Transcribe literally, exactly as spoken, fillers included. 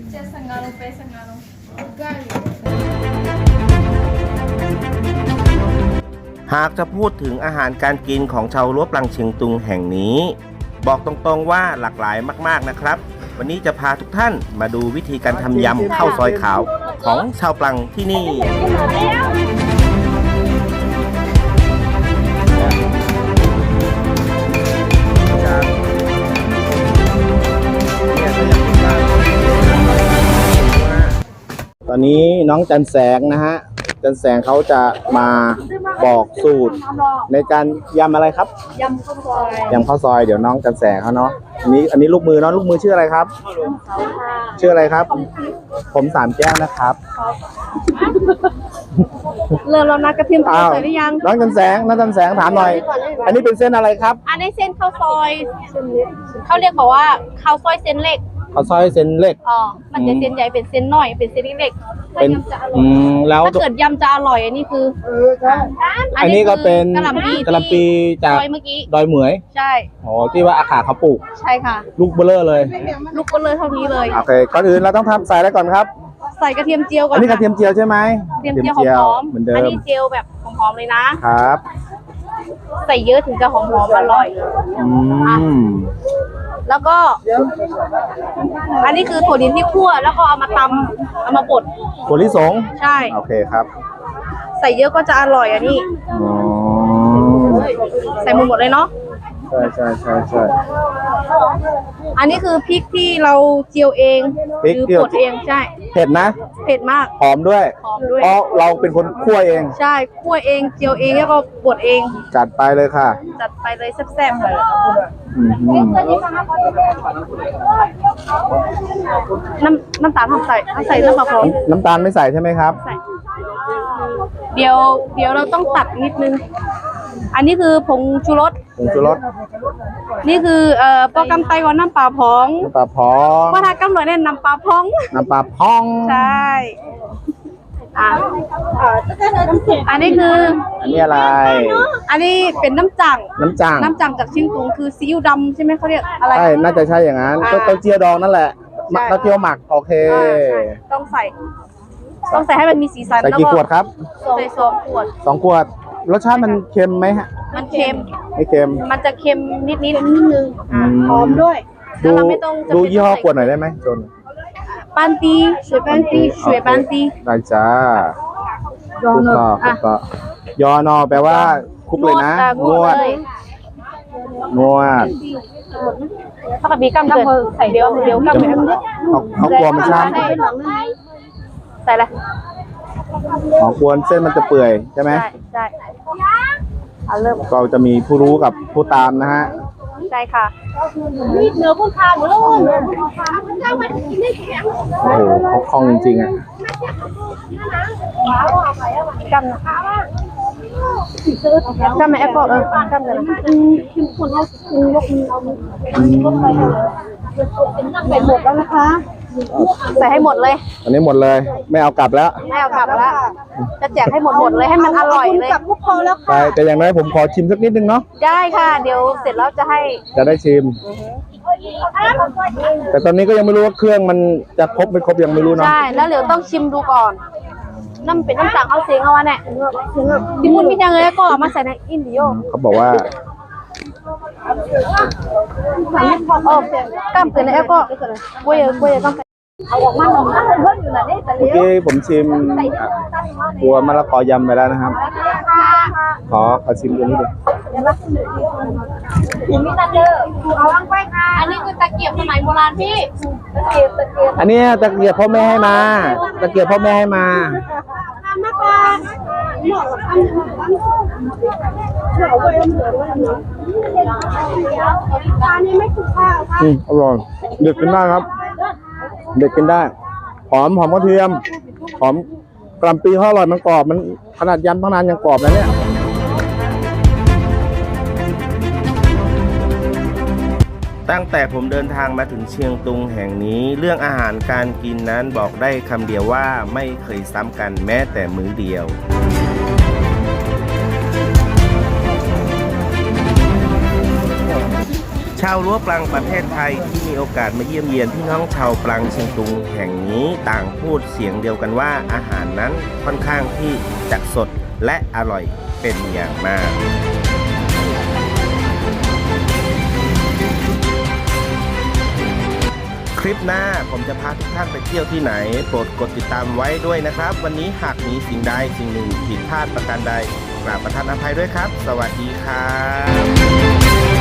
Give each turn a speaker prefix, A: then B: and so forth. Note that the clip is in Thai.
A: หากจะพูดถึงอาหารการกินของชาวรั้วปลังเชียงตุงแห่งนี้บอกตรงๆว่าหลากหลายมากๆนะครับวันนี้จะพาทุกท่านมาดูวิธีการทำยำข้าวซอยขาวของชาวปลังที่นี่ตอนนี้น้องจันแสงนะฮะจันแสงเขาจะมาบอกสูตรในการยำอะไรครับยำข้าวซอยยำข้าวซอยเดี๋ยวน้องจันแสงเขาเนาะอันนี้อันนี้ลูกมือเนาะลูกมือชื่ออะไรครับชื่ออะไรครับผมสามแก้วนะครับ
B: เริ่มแล้วนะกระเทียมใส่หรือยัง
A: น้องจันแสงน้องจันแสงถามหน่อยอันนี้เป็นเส้นอะไรครับ
B: อันนี้เส้นข้าวซอยเขาเรียกบอกว่าข้าวซอยเส้นเล็ก
A: ข้าวซอยเส้นเล็ก
B: อ๋อมันจะเส้นใหญ่เป็นเส้นน้อยเป็นเส้นเล็ก
A: เป็นอืมแล้ว
B: ถ้าเกิดยำจะอร่อยอันนี้คือ
A: อันนี้ก็เป็นกะหล่ำปีกะหล่ำปีจาก
B: เมื่อกี้
A: ดอยเหมย
B: ใช่
A: อ๋อที่ว่าอาขาเขาปลูก
B: ใช่ค่ะ
A: ลูกเบลเลอร์เลย
B: ลูกเบลเลอร์เท่านี้เลย
A: โอเคก่อนอื่นเราต้องทำใส่อะไรก่อนครับ
B: ใส่กระเทียมเจียวก่อน
A: อันนี้กระเทียมเจียวใช่ไหม
B: กระเทียมเจียวหอม
A: เหมือนเดิม
B: อันนี้เจียวแบบหอมๆเลยนะครับใส่เยอะถึงจะหอมๆอร่อย
A: อืม
B: แล้วก็อันนี้คือถั่วดินที่คั่วแล้วก็เอามาตำเอามาบด
A: ถั่วลิสง
B: ใช่
A: โอเคครับ
B: ใส่เยอะก็จะอร่อยอันนี้ใส่หมดหมดเลยเนาะ
A: ใช่ใช่ใช่ใช่
B: อันนี้คือพริกที่เราเจียวเองหรือบดเองใช่
A: เผ็ดนะ
B: เผ็ดมาก
A: หอมด้วย
B: หอมด้วย
A: เพราะเราเป็นคนคั่วเอง
B: ใช่คั่วเองเจียวเองแล้วก็บดเอง
A: จัดไปเลยค่ะ
B: จัดไปเลยแซ่บๆเลยน้ำน้ำตาลทำใส่ทำใส่น้ำปลาพร้อม
A: น้ำตาลไม่ใส่ใช่ไหมครับ
B: ใส่เดี๋ยวเดี๋ยวเราต้องตัดนิดนึงอันนี้คือผงชูรส
A: ผงชูรส
B: นี่คือเอ่อปอกำไตก่อนน้ำปลาพอง
A: น้ำปลาพอง
B: ว่าถ้ากำหนดเนี่ยน้ำปลาพอง
A: น้ำปลาพอง
B: ใช่อ่ะอันนี้คือ
A: อันนี้อะไร
B: อันนี้เป็นน้ำจั่ง
A: น้ำจั่ง
B: น้ำจั่งจากเชียงตุงคือซีอิ๊วดำใช่ไหมเขาเรียกอะไร
A: ใช่น่าจะใช่อย่างนั้นก็เต้าเจี้ยวดองนั่นแหละเต้าเจี้ยวหมักโอเค
B: ต้องใส่ต้องใส่ให้มันมีสีสัน
A: ใส่กี่ขวดครับ
B: ใส่สองขวด
A: สองขวดรสชาติมันเค็มไหมฮะ
B: มันเค็ม
A: ไม่เค็ม
B: มันจะเค็มนิดนิดนิดนึงหอมด้วย
A: ดูดูยี่ห้อขวดหน่อยได้ไหมจน
B: ปันตีสวยปันตีสวยปันตี
A: ได้จ้ายอนอคุกก็ยอนอแปลว่าคุกเลยนะนวดนวด
B: ถ้ากับบีกำเกิดใส่เดียวเดียวกำเขา
A: เขากลัวมันช้ำ
B: ใส่อะไร
A: อ๋อกวนเส้นมันจะเปื่อยใช่ไหม
B: ใช่ใช่เริ่ม
A: เราจะมีผู้รู้กับผู้ตามนะฮะ
B: ใช่ค่ะนี่เนื้อผู้ทานหมดเลย
A: โอ้โหเขาคล่องจริงๆอ่ะ
B: กำกำแม่แอปเปิลเออกำเลยนะคิมคนเอาคุณยกมือเอามือใส่หมดแล้วนะคะใส่ให้หมดเลย
A: อันนี้หมดเลยไม่เอากลับแล้ว
B: ไม่เอากลับแล้วจะแจกให้หมดหมดเลยให้มันอร่อยเลยกลับพอแล้วค่ะ
A: แต่อย่างน้อยผมขอชิมสักนิดนึงเนาะ
B: ได้ค่ะเดี๋ยวเสร็จแล้วจะให้
A: จะได้ชิมแต่ตอนนี้ก็ยังไม่รู้ว่าเครื่องมันจะครบไม่ครบยังไม่รู้เนาะ
B: ใช่แล้วเดี๋ยวต้องชิมดูก่อนน้ำเป็นน้ำจังเอาเสียงเอาวะเนี่ยที่มุนมีจังเลยก็มาใส่ในอินดิโอ
A: เขาบอกว่า
B: โอ้กล้ามเกินแล้วก็กล้วยกล้วยต้องเอาออกมาหน่อยเพิ่มอยู่นะนี่แต่
A: เมื่อกี้ผมชิมตัวมะละกอยำไปแล้วนะครับขอขอชิมตัวนี้ดู
B: ผมมีตะเกียบเอาวางไปค่ะอันนี้คือตะเกียบสมัยโบราณพี่ตะเกียบตะเกียบ
A: อันนี้ตะเกียบพ่อแม่ให้มาตะเกียบพ่อแม่ให้มา
B: มาก่อนเหมาะกับอันเหมาะไปเหมือนว่าอันนี้ไม่ถูกข้าวค่ะ
A: อืมอร่อยเด็กกินได้ครับเด็กกินได้หอมหอมกระเทียมหอมกล่ำปีเขาอร่อยมันกรอบมันขนาดยำตั้งนานยังกรอบเลยเนี่ยตั้งแต่ผมเดินทางมาถึงเชียงตุงแห่งนี้เรื่องอาหารการกินนั้นบอกได้คำเดียวว่าไม่เคยซ้ำกันแม้แต่มื้อเดียว
C: ชาวรั้วปลังประเทศไทยที่มีโอกาสมาเยี่ยมเยียนพี่น้องชาวปลังเชียงตุงแห่งนี้ต่างพูดเสียงเดียวกันว่าอาหารนั้นค่อนข้างที่จะสดและอร่อยเป็นอย่างมากคลิปหน้าผมจะพาทุกท่านไปเที่ยวที่ไหนโปรดกดติดตามไว้ด้วยนะครับวันนี้หากมีสิ่งใดสิ่งหนึ่งผิดพลาดประการใดกราบประทานอภัยด้วยครับสวัสดีครับ